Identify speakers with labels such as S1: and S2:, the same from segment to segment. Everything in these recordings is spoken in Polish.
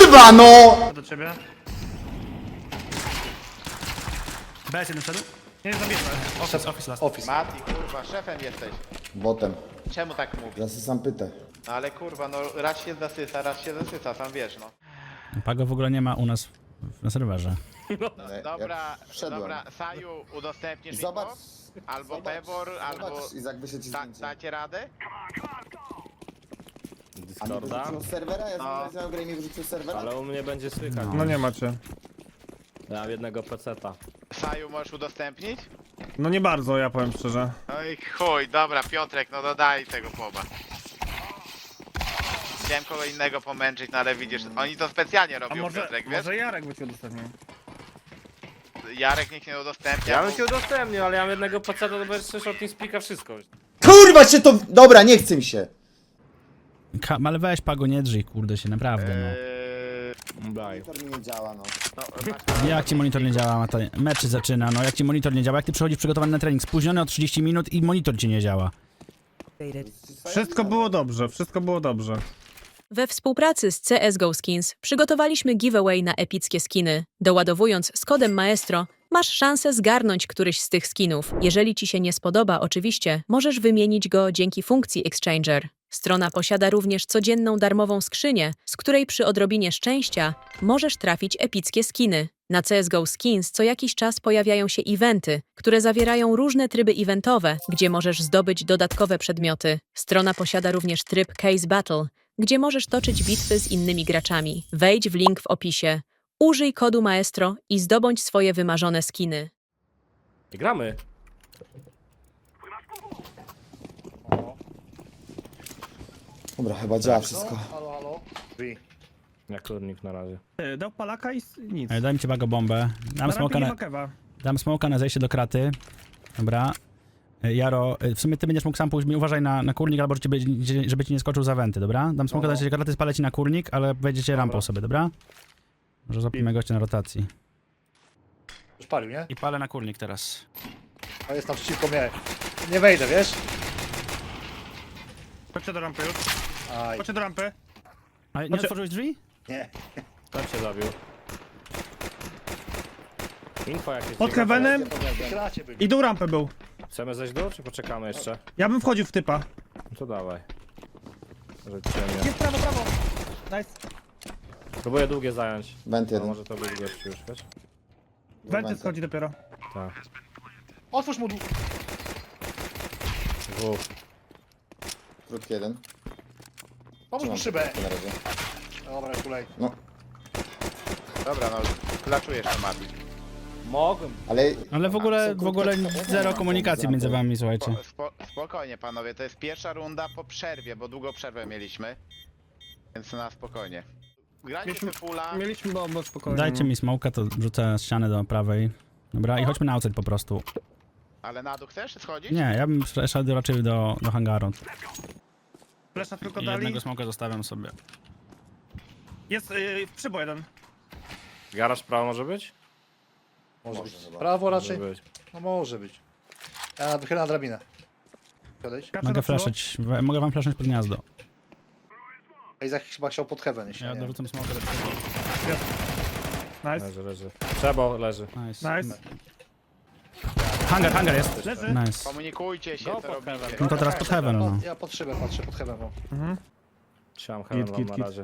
S1: kurwa, no!
S2: Do ciebie. BS jeden szedł? Nie, zabijmy. Office last.
S1: Office.
S3: Mati, kurwa, szefem jesteś.
S1: Botem.
S3: Czemu tak mówisz?
S1: Zasysam pytę.
S3: No ale kurwa, no raz się zasysa, sam wiesz, no.
S4: Pago w ogóle nie ma u nas na serwerze.
S3: Dobra,
S1: wszedłem.
S3: dobra, Saju, udostępnisz mi
S1: Zobacz.
S3: to? Albo Pebor, albo...
S1: Zobacz, Izak, wyszedł ci zdjęcie.
S3: Dacie radę?
S1: A mnie
S5: Discorda,
S1: wyrzucił z serwera? Ja
S3: No.
S1: znałem grę i mnie wyrzucił z serwera?
S5: ale u mnie będzie słychać.
S2: No nie macie.
S5: Ja mam jednego peceta.
S3: Saju, możesz udostępnić?
S2: No nie bardzo, ja powiem szczerze.
S3: No i chuj, dobra, Piotrek, no dodaj tego poba. Chciałem kogo innego pomęczyć, no ale widzisz, oni to specjalnie
S2: A
S3: robią,
S2: może,
S3: Piotrek, wiesz?
S2: może Jarek by cię udostępnił.
S3: Jarek nikt nie udostępnia.
S5: Ja bym się udostępnił, ale ja mam jednego peceta, to będziesz słyszał od Speaka wszystko.
S1: Kurwa cię to... Dobra, nie chce mi się.
S4: Ale weź Pago, nie drzyj, kurde się, naprawdę no.
S5: Daj.
S1: Monitor mi nie działa, no.
S4: Jak ci monitor nie działa, mecz zaczyna, no jak ci monitor nie działa, jak ty przychodzisz przygotowany na trening, spóźniony o 30 minut i monitor ci nie działa.
S2: Wszystko było dobrze, wszystko było dobrze.
S6: We współpracy z CSGO Skins przygotowaliśmy giveaway na epickie skiny. Doładowując z kodem Maestro, masz szansę zgarnąć któryś z tych skinów. Jeżeli ci się nie spodoba, oczywiście, możesz wymienić go dzięki funkcji Exchanger. Strona posiada również codzienną darmową skrzynię, z której przy odrobinie szczęścia możesz trafić epickie skiny. Na CSGO Skins co jakiś czas pojawiają się eventy, które zawierają różne tryby eventowe, gdzie możesz zdobyć dodatkowe przedmioty. Strona posiada również tryb Case Battle, gdzie możesz toczyć bitwy z innymi graczami. Wejdź w link w opisie, użyj kodu Maestro i zdobądź swoje wymarzone skiny.
S5: I gramy.
S1: Dobra, chyba działa wszystko.
S5: Jak kurnik na razie.
S2: Dał palaka i nic.
S4: Daj mi ci Pago bombę.
S2: Na rampie nie ma kewa.
S4: Dam smoka na zejście do kraty. Dobra. Jaro, w sumie ty będziesz mógł sam pójść, uważaj na kurnik, albo żeby ci nie skoczył za wenty, dobra? Dam smoka na zejście do kraty, spalę ci na kurnik, ale wejdziecie rampą sobie, dobra? Może złapiemy gościa na rotacji.
S7: Już palił, nie?
S4: I palę na kurnik teraz.
S7: A jest naprzeciwko mnie. Nie wejdę, wiesz?
S2: Chodźcie do rampy już.
S7: Aj,
S2: Chodźcie do rampy.
S4: A nie
S2: Znaczy-
S4: otworzyłeś drzwi?
S7: nie.
S5: Tam się zabił. Info jakieś.
S2: Pod
S5: ciekawe.
S2: heavenem
S7: W kracie byli.
S2: i dół rampy był.
S5: Chcemy zejść dół, czy poczekamy jeszcze?
S2: Ja bym wchodził w typa.
S5: No to dawaj. Że ciemnie.
S2: Jest prawo, prawo. Nice.
S5: Próbuję długie zająć.
S1: Went
S5: No,
S1: jeden.
S5: może to być gościu już, wiesz?
S2: Wenty schodzi dopiero.
S5: Tak.
S7: Otwórz mu dół.
S5: Dwóch.
S1: Krótki jeden.
S7: Pomóż mu szybę.
S1: Na razie.
S7: Dobra, kulej.
S1: No,
S3: Dobra, no, klaczujesz to, Mati.
S5: Mogłem.
S4: Ale w ogóle zero komunikacji między wami, słuchajcie.
S3: Spokojnie, panowie, to jest pierwsza runda po przerwie, bo długo przerwę mieliśmy. Więc na spokojnie. Grajcie sobie pula.
S2: Mieliśmy bombę spokojnie.
S4: Dajcie mi smoka, to rzucę ścianę do prawej. Dobra, i chodźmy na outside po prostu.
S3: Ale na dół chcesz schodzić?
S4: Nie, ja bym szedł raczej do hangaru.
S2: Flesza tylko
S4: I
S2: dali.
S4: jednego smoka zostawiam sobie.
S2: Jest przybo jeden.
S5: Garaż prawo może być?
S7: Może być. Prawo raczej?
S5: Może być.
S7: No może być. Ja wychylam na drabinę. Odejdź.
S2: Kaczę
S4: Mogę
S2: do przybo.
S4: flaszyć, mogę wam flaszyć pod gniazdo.
S7: Izak chyba chciał pod heaven, jeśli
S4: Ja
S7: nie.
S4: dorzucam smoka do
S2: Nice.
S5: Leży, leży. Trzeba, leży.
S4: Nice.
S2: Nice.
S4: Hangar jest.
S2: Leży.
S4: Nice.
S3: Komunikujcie się,
S5: Go
S3: co
S5: pod
S3: robicie.
S5: heaven.
S4: No to teraz pod heaven, no.
S7: Ja pod szybę patrzę, pod heaven. No.
S2: Mhm.
S5: Trzymam heaven
S2: Git,
S5: wam
S2: git,
S5: na
S2: git.
S5: razie.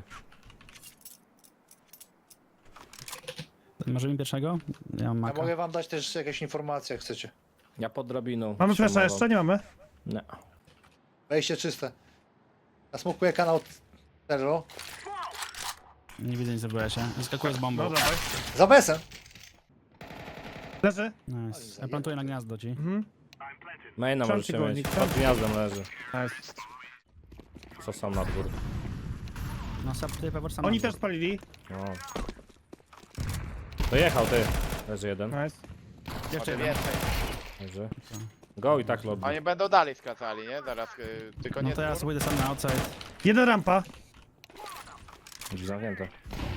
S4: Może mi pierwszego? Ja mam
S7: Ja
S4: maka.
S7: mogę wam dać też jakieś informacje, jak chcecie.
S5: Ja pod drabiną.
S2: Mamy
S5: trzymam
S2: flesza
S5: wam.
S2: jeszcze? Nie mamy.
S5: Nie.
S7: Wejście czyste. Nasmukuję kanał Terro.
S4: Nie widzę nic, zrobiła się. Wyskakuję z bombą.
S2: No dawaj.
S7: Za besem.
S2: Leży.
S4: Nice. Ja plantuję na gniazdo ci.
S2: Mhm.
S5: Maina
S2: Trzymam
S5: możecie
S2: ci
S5: mieć.
S2: górnik,
S5: Pod gniazdem leży.
S2: Nice.
S5: Co sam na dwór.
S4: No sap tutaj pewor sam.
S2: Oni też spalili.
S5: No. Dojechał ty. Leży jeden.
S2: Nice.
S4: Jeszcze jeden.
S3: Więcej.
S5: Leży. Go i tak lobby.
S3: Oni będą dalej skracali, nie? Zaraz, tylko
S4: No
S3: nie
S4: to ja sobie idę sam na outside.
S2: Jeden rampa.
S5: Drzwi zamknięte.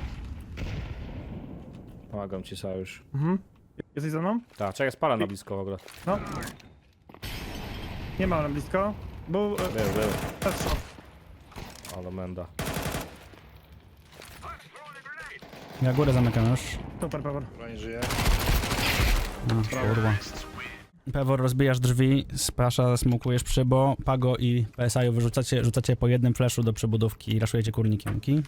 S5: Pomagam ci sojusz.
S2: Mhm. Jesteś ze mną?
S5: Tak, czekaj, spala na blisko w ogóle.
S2: No. Nie ma nam blisko. Był
S5: Był.
S2: strzał.
S5: Ale menda.
S4: Ja górę zamykam już.
S2: Super, Pewor.
S7: Broń żyje.
S4: No, kurwa. Pewor, rozbijasz drzwi, Spasza smukujesz przybo, Pago i PSI-u rzucacie po jednym flashu do przebudówki i raszujecie kurnikiem, okej?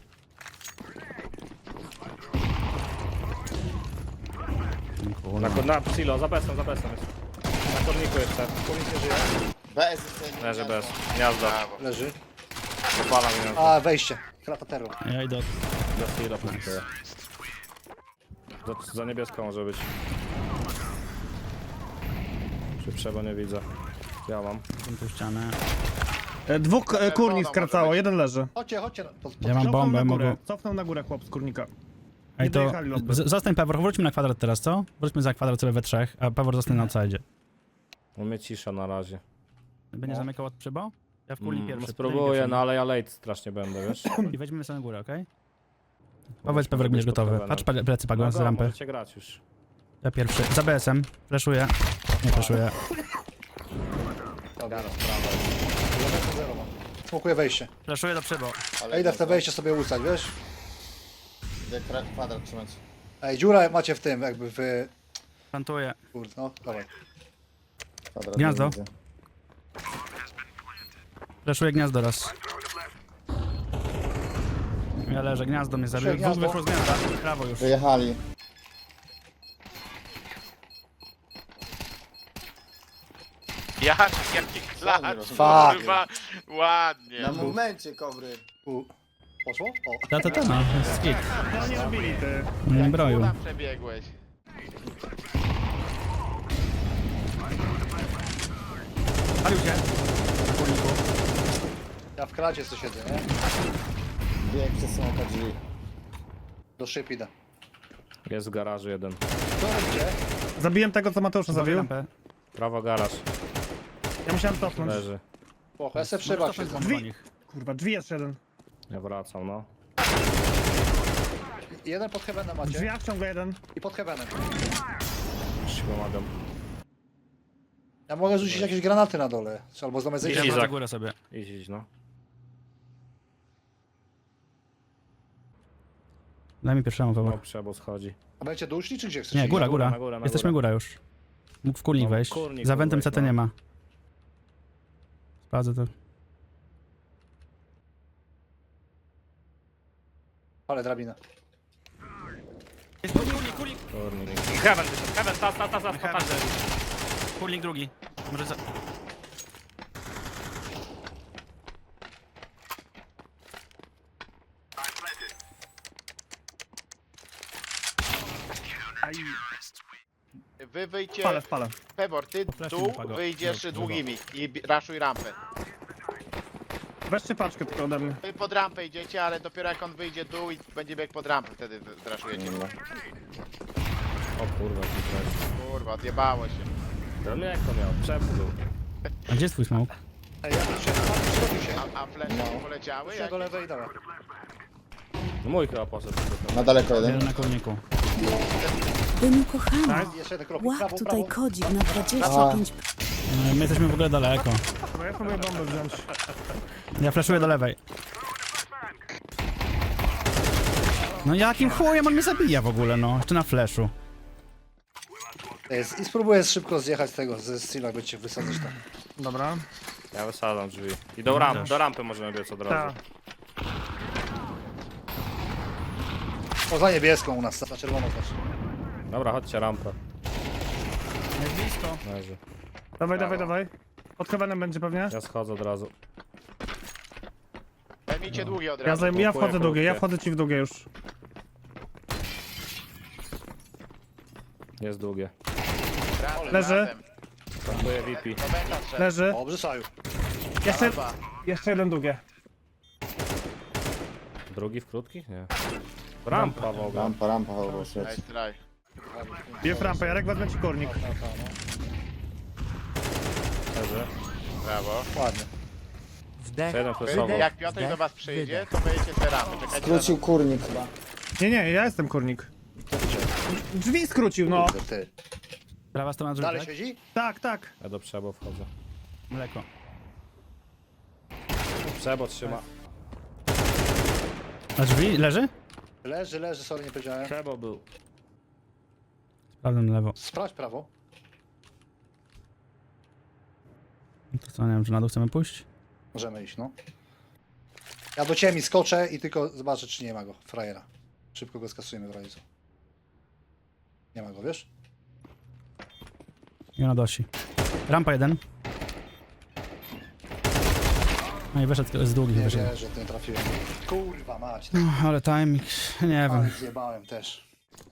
S5: Na silo, za besem jest. Na korniku jeszcze.
S7: Kurnik nie żyje.
S1: Bez jeszcze jedno
S5: Leży
S1: gniazdo.
S5: bez. Gniazdo.
S7: Leży.
S5: Popala gniazdo.
S7: A, wejście. Krata terror.
S4: Ja idę od...
S5: Za silo punktuję. Za niebieską może być. Czy trzeba nie widzę. Ja mam.
S4: tą ścianę.
S2: Dwóch kurnik skracało, jeden leży.
S7: Chodźcie.
S4: Ja mam
S2: Cofnął
S4: bombę,
S2: na górę.
S4: mogę...
S2: Cofnął na górę chłop z kurnika.
S4: Ej, to...
S2: dojechali lobby.
S4: Zostań Pewor, wróćmy na kwadrat teraz, co? Wróćmy za kwadrat sobie we trzech, a Pewor zostanie na outside.
S5: U mnie cisza na razie.
S4: Będzie zamykał od przybo? Ja w kurnik pierwszy.
S5: Spróbuję, no ale ja late strasznie będę, wiesz?
S4: I weźmiemy sobie na górę, okej? Powiedz Pewor, jak będziesz gotowy. Patrz plecy Pago z rampy.
S5: Możecie grać już.
S4: Ja pierwszy. Za BS-em. Flashuję. Nie flashuję.
S7: Smokuję wejście.
S4: Flashuję do przybo.
S1: Ale
S7: Ja idę w te
S1: gniazdo.
S7: wejście sobie usać, wiesz?
S1: Idę kwadrat trzymać.
S7: Ej, dziura macie w tym, jakby w...
S4: Plantuję.
S7: Kurde, no, dawaj.
S1: Kwadrat
S4: Gniazdo.
S1: nie widzę.
S4: Flashuję gniazdo raz. Ja leżę, gniazdo mnie zabił. Dwóch
S7: Gniazdo.
S4: wyszło z gniazda. Prawo już.
S1: Wyjechali.
S3: Jaki klacz,
S1: Fuck.
S3: kurwa. Ładnie.
S1: Na momencie, kobry.
S7: Poszło? O.
S4: Ta, no. Skit.
S2: No nie robili ty.
S4: Nie broju.
S3: Kula przebiegłeś.
S4: Palił się.
S7: Ja w kracie co siedzę, nie?
S1: Bieg przez smoka drzwi.
S7: Do szyb idę.
S5: Jest w garażu jeden.
S7: Co robicie?
S2: Zabiłem tego, co Mateusza zabił.
S4: Lampę.
S5: Prawo garaż.
S2: Ja musiałem cofnąć.
S5: Leży.
S7: Spoko, ja se w szybach siedzę.
S2: Drzwi. Kurwa, drzwi jest jeden.
S5: Ja wracam, no.
S7: Jeden pod heavenem
S2: W
S7: macie.
S2: drzwiach ciągle jeden.
S7: I pod heavenem.
S5: Już ci pomagam.
S7: Ja mogę rzucić jakieś granaty na dole. Czy albo zamiast zejść.
S4: Ja
S5: Izak.
S4: za górę sobie.
S5: Idź, no.
S4: Daj mi pierwszemu
S5: No,
S4: Pewor.
S5: przebo schodzi.
S7: A będziecie doszli, czy gdzie chcesz
S4: Nie,
S7: iść?
S4: góra,
S5: Na górę,
S4: góra.
S5: na górę, na
S4: Jesteśmy
S5: górę.
S4: góra już. Mógł w kurnik
S5: No,
S4: wejść.
S5: kurnik
S4: Za
S5: mógł
S4: wentem
S5: wejść,
S4: CT
S5: no.
S4: nie ma. Sprawdzę to.
S7: Ale drabina.
S4: Jest kurnik.
S5: Kurnik. Heaven, tas.
S4: Kurnik drugi. Może za...
S3: Wy wyjdzie.
S2: Spalę.
S3: Pewor, ty
S4: flashu
S3: dół
S4: wypadło.
S3: wyjdziesz
S4: Dobra.
S3: długimi i raszuj rampę.
S2: Weźcie paczkę tylko ode mnie.
S3: Wy pod rampę idziecie, ale dopiero jak on wyjdzie dół i będzie biegł pod rampę, wtedy zraszujecie.
S5: O kurwa,
S3: Kurwa, odjebało się.
S5: to jak to miał? Przepnął.
S4: A gdzie jest twój smoke?
S7: Ej, ja tu się zrobił się.
S3: A flesze poleciały?
S7: Się do lewej, dawaj.
S5: No mój chyba poszedł.
S1: Na daleko jeden.
S4: Jeden na kurniku.
S8: Dymu kochany,
S7: Jeszcze jeden krok.
S8: łap
S7: Prawo,
S8: tutaj
S7: prawo.
S8: kodzik na 25%.
S4: No, my jesteśmy w ogóle daleko.
S2: Dobra, ja próbuję bombę wziąć.
S4: Ja flashuję do lewej. No jakim chujem on mnie zabija w ogóle, no. Jeszcze na flashu.
S7: I spróbuję szybko zjechać z tego, ze Steela, by cię wysadzać tam.
S2: Dobra.
S5: Ja wysadzam drzwi. I do rampy możemy biec od
S2: Tak.
S5: razu.
S7: O, za niebieską u nas, za czerwoną znaczy.
S5: Dobra, chodźcie rampę.
S4: Jest blisko.
S5: Leży.
S2: Dawaj. Pod heavenem będzie pewnie.
S5: Ja schodzę od razu.
S3: Zajmijcie długie od
S2: Ja,
S3: razu.
S2: ja wchodzę długie, ja
S5: krótkie.
S2: wchodzę ci w długie już.
S5: Jest długie.
S2: Leży.
S5: Plantuję VP.
S2: Leży.
S7: Dobrze, Saju.
S2: Jeszcze jeden długie.
S5: Drugi w krótkich? Nie. Rampa w ogóle.
S1: Rampa, choroba.
S3: Nice try.
S2: Biję w rampę, Jarek wezmę ci kurnik.
S5: Leży.
S3: Brawo.
S7: Ładnie.
S5: Jeden flashował.
S3: Jak Piotr do was przyjdzie, to wyjdziecie z rampy. Czekajcie na
S1: Skrócił kurnik chyba.
S2: Nie, ja jestem kurnik. Drzwi skrócił, no.
S7: Kurde, ty.
S4: Prawa strona drzwi,
S7: Dalej
S4: tak?
S7: siedzi?
S2: Tak.
S5: Ja do przebo wchodzę.
S4: Mleko.
S5: Przebo trzyma.
S4: A drzwi? Leży?
S7: Leży, sorry, nie powiedziałem.
S5: Trzeba był.
S4: Sprawdzam na lewo.
S7: Sprawdź prawo.
S4: To co, nie wiem, czy na dół chcemy pójść?
S7: Możemy iść, no. Ja do ciebie skoczę i tylko zobaczę, czy nie ma go, frajera. Szybko go skasujemy w razie co. Nie ma go, wiesz?
S4: I na dosi. Rampa jeden. No i wyszedł z długich,
S7: Nie
S4: wyszedł.
S7: wierzę, że nie trafiłem. Kurwa mać,
S4: No, ale timing, nie
S7: ale
S4: wiem.
S7: zjebałem też.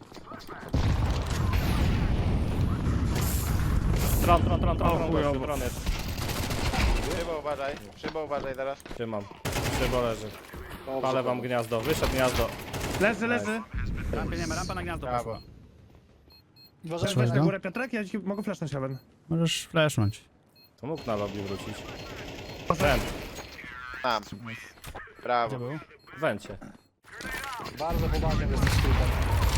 S5: Tron
S2: chujowo.
S5: tron jest.
S3: Szybo uważaj teraz.
S5: Trzymam. Szybo leży.
S7: Dobrze,
S5: Palę wam gniazdo. Wyszedł gniazdo.
S2: Leży.
S4: Rampie nie ma, rampa na gniazdo
S3: Brawo.
S4: poszła.
S7: Uważaj,
S4: Weszłeś
S2: Na
S4: go?
S2: górę Piotrek, ja ci mogę flashnąć Heaven.
S4: Możesz flashnąć.
S5: To mógł na lobby wrócić.
S2: Proszę.
S5: Węd.
S3: Tam.
S4: Gdzie
S3: Brawo.
S4: był?
S5: Węcie.
S7: bardzo poważnie jesteś skrótem.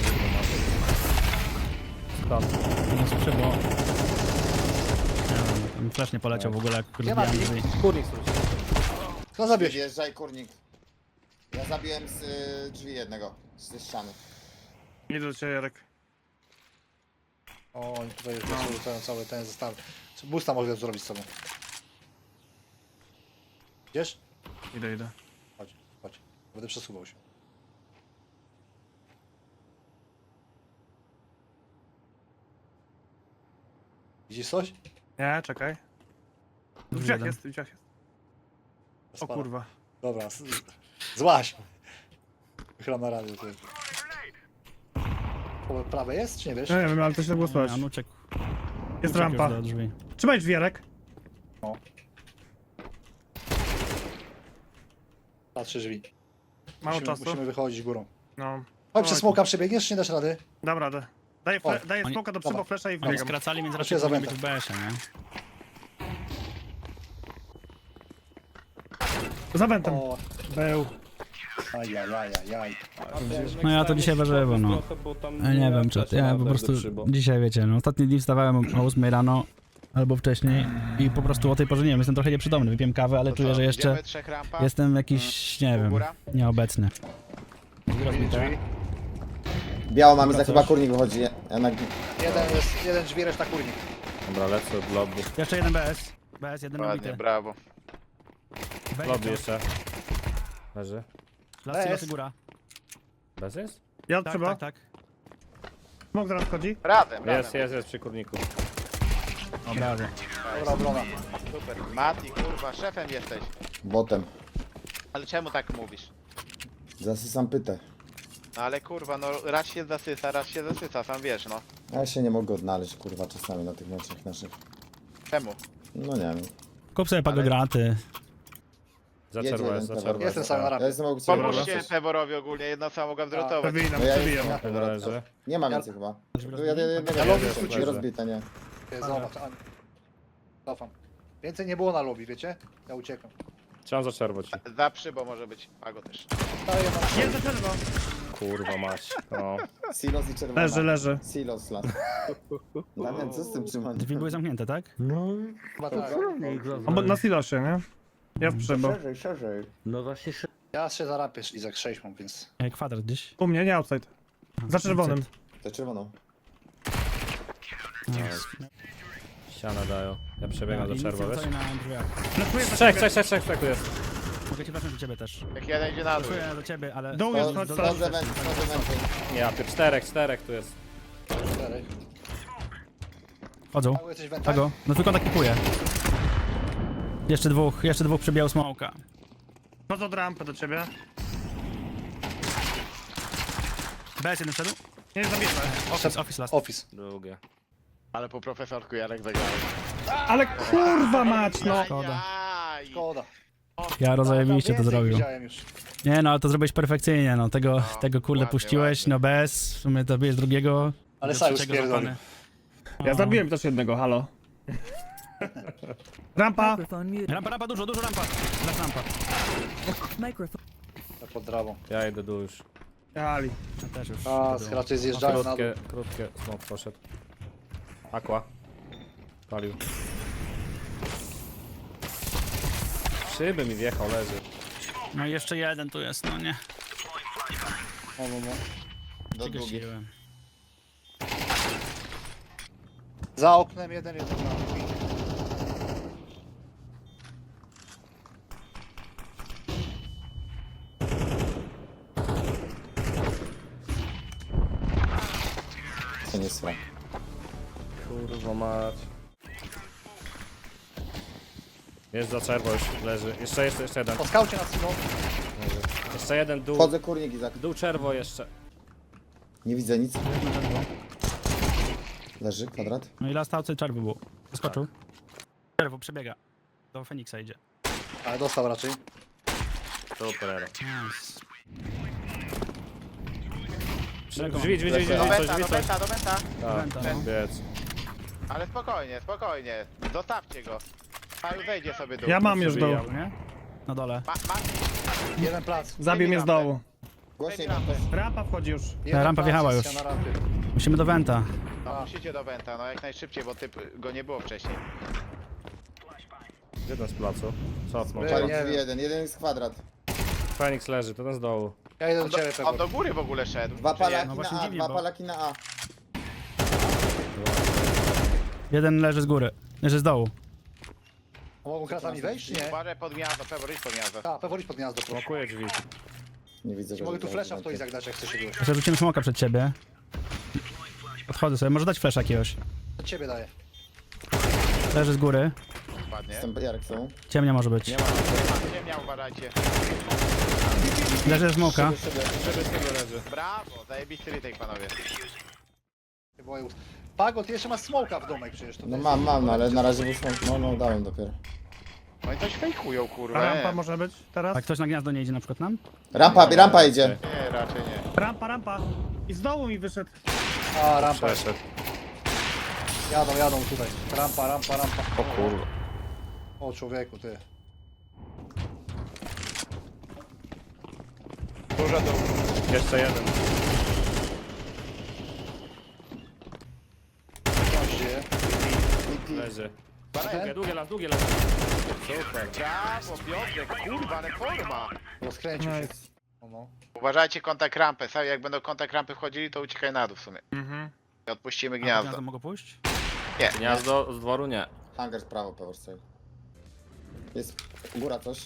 S5: Stąd.
S4: Nie skrzybo. Nie wiem, tam flash nie poleciał w ogóle, jak
S7: Nie ma
S4: rozbijałem
S7: nic.
S4: drzwi.
S5: Kurnik słyszy.
S7: Kto zabiłeś?
S1: Wjeżdżaj, kurnik. Ja zabiłem z drzwi jednego, z ściany.
S2: Idę do ciebie, Jarek.
S7: O, oni tutaj już wyczuły cały ten zestaw. Boosta mogę zrobić z sobą. Idziesz?
S2: Idę.
S7: Chodź. Będę przesuwał się. Widzisz coś?
S2: Nie, czekaj. W drzwiach jest, w drzwiach jest. O
S7: Spada.
S2: kurwa.
S7: Dobra, złaś. Wychylam na radio. Ty. Po prawej jest, czy nie wiesz?
S2: Nie wiem, ale to się było słychać.
S4: On uciekł.
S2: Jest
S4: Uciekł
S2: rampa.
S4: już do drzwi.
S2: Trzymaj drzwi, Jarek.
S7: Patrzę drzwi.
S2: Mało czasu.
S7: Musimy wychodzić górą.
S2: No.
S7: Chodź, przez smoka przebiegniesz, czy nie dasz rady?
S2: Dam radę. Daję
S4: Oni-
S2: smoka do
S7: dobra.
S2: przybo flasha i
S4: Oni
S2: wbiegam.
S4: skracali, więc
S7: To
S4: raczej
S7: się
S4: powinien być
S7: zamęta.
S4: w BS-ie, nie?
S2: Za wentem.
S7: O,
S2: Był.
S7: ajajajajaj.
S4: No ja to dzisiaj ważywo, no. Ja nie wiem, czy ja po prostu dzisiaj, wiecie, no ostatnie dni wstawałem o 8 rano albo wcześniej i po prostu o tej porze nie wiem, jestem trochę nieprzytomny, wypiłem kawę, ale
S3: To
S4: czuję,
S3: co,
S4: że jeszcze
S3: idziemy trzech rampa?
S4: jestem jakiś, nie wiem,
S3: Góra?
S4: nieobecny.
S7: Drzwi.
S1: Biało mamy, za chyba kurnik wychodzi. Ja na...
S7: Jeden drzwi, reszta kurnik.
S5: Dobra, lecę od lobby.
S4: Jeszcze jeden BS. BS, jeden
S3: Ładnie,
S4: nabity.
S3: brawo.
S5: Lobby jeszcze. Leży.
S4: Lasy,
S7: BS.
S4: góra.
S5: Bez jest?
S2: Ja
S4: Tak,
S2: przybo.
S4: tak, tak.
S2: Smok zaraz wchodzi.
S3: Razem.
S5: Jest przy kurniku.
S4: O, brawo.
S7: Dobra obrona.
S3: Super. Mati, kurwa, szefem jesteś.
S1: Botem.
S3: Ale czemu tak mówisz?
S1: Zasysam pytę.
S3: No ale kurwa, no raz się zasysa, sam wiesz, no.
S1: Ja się nie mogę odnaleźć, kurwa, czasami na tych meczach naszych.
S3: Czemu?
S1: No nie wiem.
S4: Kup sobie pagograty.
S5: Za
S1: Jedzie
S5: czerwo
S1: jeden
S5: jest, za
S1: pewor.
S5: czerwo
S7: Jestem
S5: jest.
S7: sam na
S1: Ja
S7: rampie.
S1: jestem aukcjonem.
S3: Pomóżcie Peworowi ogólnie, jedno samo mogę zrotować.
S2: Przebijam,
S1: No ja
S2: przebijam.
S1: jestem
S5: Jeden leży.
S1: Nie ma więcej chyba. Tu jednego
S7: Ja lobby
S1: jest
S7: wróciłem.
S1: rozbite, nie.
S7: Zobacz, cofam. Więcej nie było na lobby, wiecie? Ja uciekam.
S5: Trzymam za czerwo ci.
S3: Za przybo może być, Pago też.
S7: Daję na
S2: Jest za czerwo.
S5: Kurwa mać. No.
S1: Silos i czerwona.
S2: Leży.
S1: Silos las. Damian, co z tym trzymaniem?
S4: Drzwi były zamknięte, tak?
S7: chyba tak.
S2: Na silosie, nie? Ja w przybo.
S1: Szerzej.
S7: Ja się za rampie Izak 6 mam, więc...
S4: Kwadrat gdzieś.
S2: U mnie, nie outside. Za czerwonym.
S1: To czerwoną.
S5: Ścianę dają. Ja przebiegam do czerwo, wiesz?
S4: Na drzwiach.
S2: Flashuję za
S5: Trzech
S2: ciebie.
S5: tu jest.
S4: Mogę ci wracać do ciebie też.
S3: Jak jeden idzie na dół.
S4: Czuję do ciebie, ale...
S2: Dół jest, chodź,
S1: Wchodzę węty, wchodzę węty.
S5: Ja, ty czterech tu jest.
S7: 4.
S4: Chodzą.
S7: Paweł, jesteś węta?
S4: Tego. No tylko tak kupuję. Jeszcze dwóch przebijał smoka.
S2: Chodzę od rampy do ciebie.
S4: BS jeden wszedł?
S2: Nie, zabijmy.
S4: Office last.
S7: Office.
S5: Drugie.
S3: Ale po profesorku Jarek zagrał.
S2: Ale kurwa mać, no.
S4: Szkoda.
S3: Ajaj.
S7: Szkoda.
S4: Ja rozajebiście to
S7: Więcej
S4: zrobił.
S7: Widziałem już.
S4: Nie no, ale to zrobiłeś perfekcyjnie, no. Tego kurde
S3: ładnie,
S4: puściłeś,
S3: ładnie.
S4: no bez. W sumie to bierz drugiego.
S7: Ale
S4: do
S7: Sajus
S4: trzeciego
S7: pierdolił.
S4: złapany.
S2: Ja zabiłem też jednego, halo. Rampa.
S8: Microphone muted.
S4: Rampa, dużo rampa. Last rampa.
S8: Microphone.
S7: Tak pod trawą.
S5: Ja idę dół już.
S2: Ali.
S4: Ja też już.
S7: A, raczej zjeżdżają na dół.
S5: Krótkie, smok poszedł. Aqua. Palił. Szyby mi wjechał, leży.
S4: No i jeszcze jeden tu jest, no nie.
S7: No.
S1: Do długich.
S4: Przygasiłem.
S7: Za oknem jeden na drzwi.
S1: To nie jest frak.
S5: Kurwa mać. Jest za czerwo już, leży. Jeszcze jeden.
S7: Po skaucie na Silo.
S5: Jeszcze jeden, dół.
S1: Wchodzę kurnik, Izak.
S5: Dół czerwo jeszcze.
S1: Nie widzę nic. Leży, kwadrat.
S4: No i last outside czerwy był. Skoczył. Czerwo przebiega. Do Feniksa idzie.
S7: Ale dostał raczej.
S5: Super.
S4: Nice.
S5: Drzwi,
S3: Do
S5: coś.
S3: Benta.
S4: Wenta, no.
S5: Biec.
S3: Ale spokojnie. Zostawcie go. Paweł wejdzie sobie dół.
S2: Ja mam już dół.
S4: Przebijał, nie? Na dole.
S3: Masz
S7: Jeden plac.
S2: Zabił mnie z dołu.
S1: Głośniej
S3: rampę.
S2: Rampa wchodzi już.
S7: Jeden
S4: rampa
S7: plac
S4: wjechała
S7: jest
S4: już.
S7: Na rampie.
S4: Musimy do Wenta.
S3: No, musicie do Benta, no jak najszybciej, bo go nie było wcześniej.
S5: Jeden z placu. Cofnął.
S7: Nie,
S1: Pali
S7: nie
S1: drzwi
S7: wiem.
S1: jeden jest kwadrat.
S5: Feniks leży, ten z dołu.
S7: Ja idę do ciebie,
S3: On
S7: Pewor.
S3: do góry w ogóle szedł.
S1: Dwa
S3: czy nie?
S1: palaki
S4: No właśnie
S1: na A,
S4: dziwnie,
S1: dwa
S4: bo-
S1: palaki na A.
S4: Jeden leży z góry. Leży z dołu.
S7: Mogą kratami wejść, czy nie?
S3: Uważaj pod gniazdo, Pewor, idź pod gniazdo.
S7: Tak, Pewor idź pod gniazdo, proszę.
S5: Blokuję drzwi.
S1: Nie widzę, że...
S7: Mogę tu flesza w to Izak dać, jak chcesz się
S4: Jeszcze rzucimy smoka przed ciebie. Podchodzę sobie. Może dać flash jakiegoś.
S7: Od ciebie daję.
S4: Leży z góry.
S3: Ładnie.
S1: Jestem Jarek są.
S4: Ciemnia może być.
S3: Ziemia, uważajcie.
S4: Leży ze smoka.
S5: Szyby z tego leży.
S3: Brawo, zajebisty retake, panowie.
S7: Nie było już. Pago, ty jeszcze masz smoka w domek przecież. To
S1: No
S7: jest-
S1: mam, no, ale na razie wyszło. No, dałem dopiero.
S3: Oni coś fejkują, kurwa.
S2: Rampa może być teraz?
S4: A ktoś na gniazdo nie idzie na przykład nam?
S1: Rampa idzie.
S3: Nie, raczej nie.
S2: Rampa. I z dołu mi wyszedł.
S7: A, rampa.
S5: Przeszedł.
S7: Jadą tutaj. Rampa.
S5: O kurwa.
S7: O, człowieku, ty.
S3: Dużo dół.
S5: Jeszcze jeden.
S7: Co się dzieje?
S5: Leży.
S7: Ten?
S5: Długie las. Super.
S3: Brawo, Piotrek, kurwa, ale forma.
S7: Rozkręcił się.
S2: Nice.
S7: No.
S3: Uważajcie kontakt rampy. Sami jak będą kontakt rampy wchodzili, to uciekaj na dół w sumie. I odpuścimy
S4: A pod
S3: gniazdo.
S4: gniazdo mogę pójść?
S3: Nie,
S5: Gniazdo z dworu nie.
S1: Hangar prawo, power save. Jest góra coś.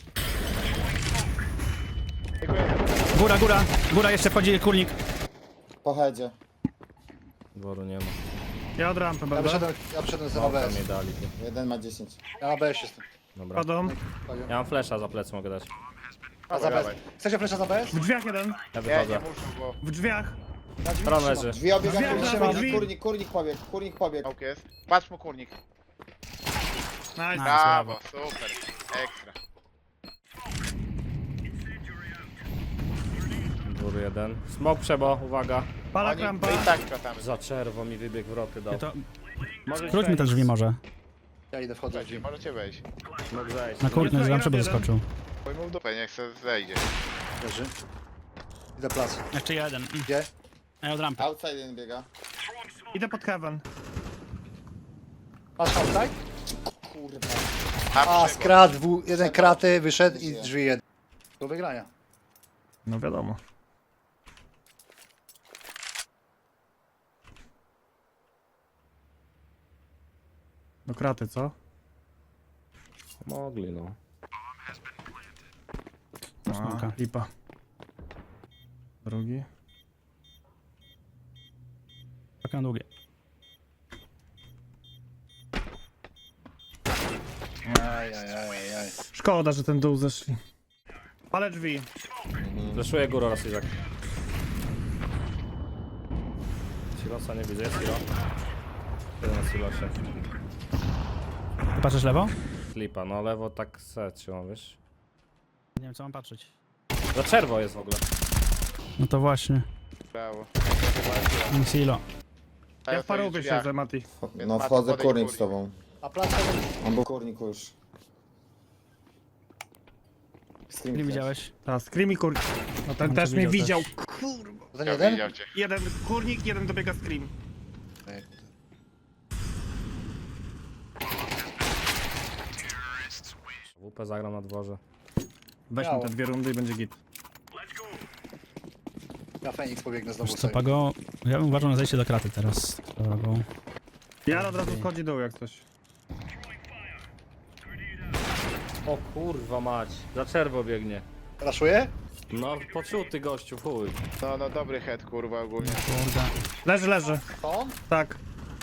S4: Góra jeszcze wchodzi kurnik.
S1: Po headzie.
S5: Dworu nie ma.
S2: Ja od rampy
S7: Ja
S2: będę.
S7: przyszedłem z
S5: Małpa
S7: ABS.
S5: mi dali.
S1: Jeden ma 10.
S7: Ja na ABS jestem.
S5: Dobra.
S2: Chodzą.
S5: Ja mam flesza za plecy, mogę dać.
S7: A za ABS. Chcecie flesza z ABS?
S2: W drzwiach jeden.
S5: Ja
S3: nie, nie
S5: wychodzę.
S3: muszę, bo
S2: W drzwiach.
S7: Na drzwi
S5: Tron
S7: trzymam.
S5: leży.
S1: Drzwi obiega,
S2: Drzwi,
S1: kurnik
S2: drzwi.
S1: pobiegł.
S3: Pałk jest. Patrz mu kurnik.
S2: Nice.
S3: Brawo, super. Ekstra.
S5: Dwór jeden. Smok przebo, uwaga.
S2: Palak
S3: Oni
S2: rampa.
S3: i tak kratamy.
S5: Za czerwo mi wybieg w roty dał.
S4: To...
S5: Może
S4: Skróć mi te drzwi może.
S7: Ja idę, wchodzę w drzwi.
S3: Możecie wejść.
S5: Mógł zejść.
S4: Na kurnik,
S2: Jest
S4: że tam przeby
S2: jeden.
S4: skoczył.
S3: Pojmą w dupę, niech se zejdzie.
S7: Leży. Idę plac.
S4: Jeszcze jeden.
S7: Gdzie?
S4: A ja od rampy.
S1: Outside jeden biega.
S2: Idę pod heaven.
S7: Masz outside?
S1: Kurwa.
S7: A, skrat, jeden kraty, wyszedł i drzwi jeden. Do wygrania.
S2: No wiadomo. Do kraty, co?
S5: Mogli no.
S2: A, lipa. Drugi.
S4: Tak na długie.
S7: Ajajajaj.
S2: Szkoda, że ten dół zeszli. Ale drzwi.
S5: Fleszuję górę raz Izak. Silosa nie widzę, jest silo. Jeden na silosie.
S4: Patrzysz lewo?
S5: Flipa, no lewo tak trzymam, wiesz.
S4: Nie wiem co mam patrzeć.
S5: Za czerwo jest w ogóle.
S4: No to właśnie.
S3: Brawo.
S4: Silo.
S2: Ja w parówie siedzę, Mati.
S1: No wchodzę kurnik z tobą.
S7: A plac
S1: On był kurniku już. Scream
S4: Nie
S1: też.
S4: widziałeś?
S2: Ta, Screamy kurnik. No ten
S4: On
S2: też
S4: cię
S2: mnie
S4: widział
S2: widział. Kurwa.
S7: ten
S3: Ja
S7: jeden?
S3: widział cię.
S2: Jeden kurnik, jeden dobiega Scream.
S5: WP zagram na dworze.
S2: Weźmy
S7: Miało.
S2: te dwie rundy i będzie git.
S7: Ja Feniks pobiegnę znowu
S4: Wiesz co,
S7: sobie.
S4: Pago, ja bym uważał na zejście do kraty teraz. Dobra, bo...
S2: Jaro od razu wchodzi dół jak coś.
S5: O kurwa mać, za czerwo biegnie.
S7: Raszuję?
S5: No poczuty gościu, chuj.
S3: No dobry head kurwa ogólnie.
S4: Kurde.
S2: Leży, leży.
S7: To?
S2: Tak.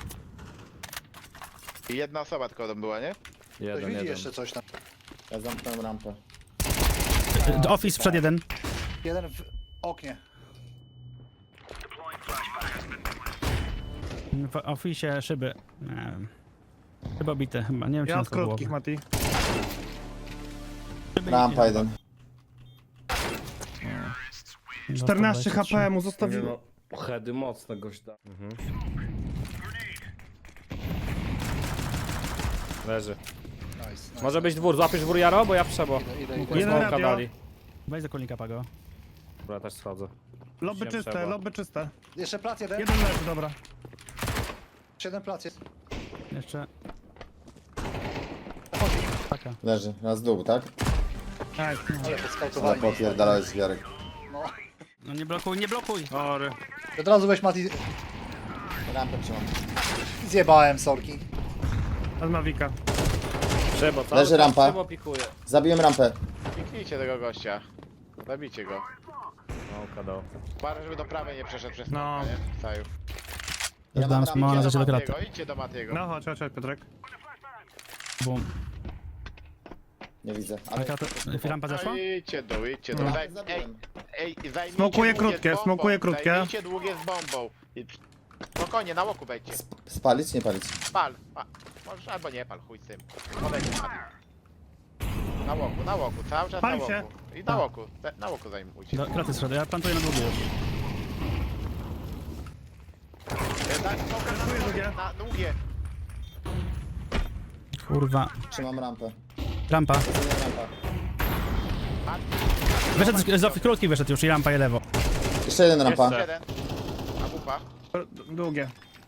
S3: I jedna osoba tylko tam była, nie?
S7: Ktoś
S5: Jeden,
S7: widzi
S5: jeden.
S7: jeszcze coś tam.
S1: Ja zamknąłem rampę.
S4: Office przed jeden.
S7: Jeden w oknie.
S4: W office szyby. Nie wiem. Chyba bite, chyba. Nie wiem, czy
S2: Ja
S4: na
S2: od
S4: to było.
S2: krótkich, Mati.
S1: Rampa jeden.
S2: 14 HP mu
S5: Nie
S2: zostawiło.
S5: no, heady mocne gośda. Leży.
S7: Nice.
S5: Może być dwór, złapiesz dwór Jaro, bo ja przebo.
S7: Idę.
S2: Jeden
S5: Smoka
S2: radio.
S5: dali.
S4: Weź do kulnika, Pago.
S5: Dobra, też schodzę.
S2: Lobby
S5: Nie
S2: czyste,
S5: trzeba.
S2: lobby czyste.
S7: Jeszcze plac jeden.
S2: Jeden leży, dobra.
S7: Jeszcze jeden plac jest.
S4: Jeszcze... Taka.
S1: Leży. Raz dół, tak?
S2: Nice.
S7: Ale
S1: Ale
S7: podskautowali.
S1: popierdalałeś Jarek.
S7: No.
S4: No nie blokuj, nie blokuj!
S2: Sorry.
S7: Od razu weź Mati.
S1: Rampę trzymam.
S7: Zjebałem sorki.
S2: Od Mavika.
S5: Przebo, cały
S1: Leży
S5: czas
S1: rampa.
S5: Przebo pikuje.
S1: Zabiłem rampę.
S3: Kliknijcie tego gościa. Zabijcie go.
S5: No, kadał.
S3: Uważaj, żeby do prawej nie przeszedł przez
S2: No.
S3: no. Nie? Saju.
S4: Ja dam smoła na zejście do kraty.
S3: Idźcie do Matiego.
S2: No chodź, Piotrek.
S4: Bum.
S1: Nie widzę.
S4: A
S1: Ale
S4: krata... Rampa zeszła?
S3: No, idźcie dół, idźcie dół.
S2: No.
S3: Ej,
S1: zabiłem.
S3: zajmijcie
S2: Smokuję
S3: długie
S2: krótkie,
S3: z bombą.
S2: smokuję krótkie.
S3: Zajmijcie długie z bombą. Spokojnie, na łoku wejdźcie.
S1: Spalić, nie palić.
S3: Pal. Możesz albo nie pal, chuj z tym. Podejdź Mati. Na łoku, cały czas
S2: Pal
S3: na
S2: się.
S3: łoku. I na łoku zajmujcie.
S4: Do kraty schody, ja plantuję na długie już.
S2: długie.
S3: Na długie.
S4: Kurwa.
S1: Trzymam rampę.
S4: Rampa.
S1: Trzymam rampa.
S4: Wyszedł z office, krótki wyszedł już i rampa i lewo.
S1: Jeszcze jeden rampa.
S5: Jeszcze.
S3: Jeden. A wupa.
S2: Długie.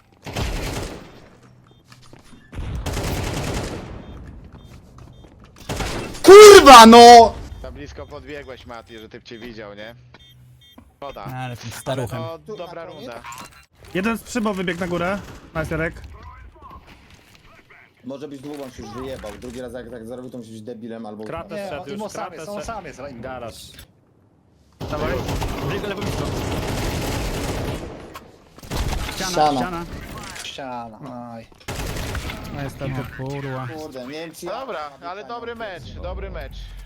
S1: Kurwa no!
S3: Za blisko podbiegłeś Mati, że typ cię widział, nie? Szkoda.
S4: Ale tym staruchem.
S3: No, dobra runda.
S2: Jeden z przybo wybiegł na górę. Nice, Jarek.
S1: Może być długą, się już wyjebał. Drugi raz jak tak zrobił, to musi być debilem albo...
S5: Kratę
S7: Nie,
S5: szedł już,
S7: on sam
S5: kratę
S7: jest, on
S5: szedł.
S7: sam jest.
S5: Garaż.
S2: Dawaj.
S4: Lewo blisko. Ściana,
S1: Ściana.
S4: ściana.
S7: Ściana. Aj.
S2: No niestety.
S4: Kurwa.
S1: Kurde, nie wiem czy...
S3: Dobra, ale dobry mecz.